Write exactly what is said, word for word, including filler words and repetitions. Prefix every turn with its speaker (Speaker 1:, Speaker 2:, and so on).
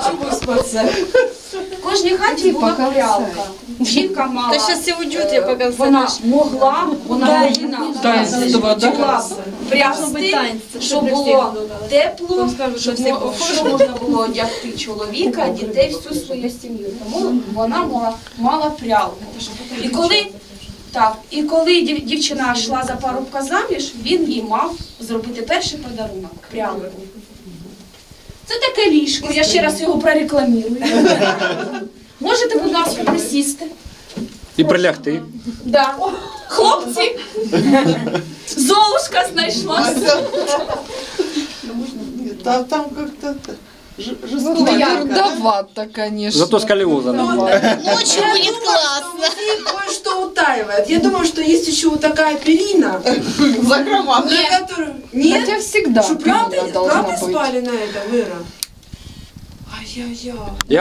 Speaker 1: хочу выспаться. В кожній хаті була прялка. Жінка мала,
Speaker 2: Та щас все уйдет, я пока
Speaker 1: вона могла, вона повинна могла прясти, щоб було тепло, щоб мо- щоб можна було одягти чоловіка, дітей, всю свою сім'ю. Тому вона мала, мала прялку. І коли, так, і коли дів- дівчина йшла за парубка заміж, він їй мав зробити перший подарунок – прялку. Це таке ліжко, я ще раз його прорекламірую. Можете, будь ласка, присісти.
Speaker 3: І прилягти.
Speaker 1: Да. Хлопці, Золушка знайшлася.
Speaker 4: Там, там как-то ж-
Speaker 5: Ну,
Speaker 4: жестковато.
Speaker 5: трудовато, конечно.
Speaker 3: Зато сколиоза нема.
Speaker 2: Ночью будет классно.
Speaker 4: Музей кое-что утаивает. Я думаю, что есть еще вот такая перина,
Speaker 6: Закрома.
Speaker 4: на которую... Нет?
Speaker 5: Хотя всегда
Speaker 4: Что, правда,
Speaker 5: перина должна
Speaker 4: правда
Speaker 5: быть.
Speaker 4: спали на это, Вера? Ай-яй-яй.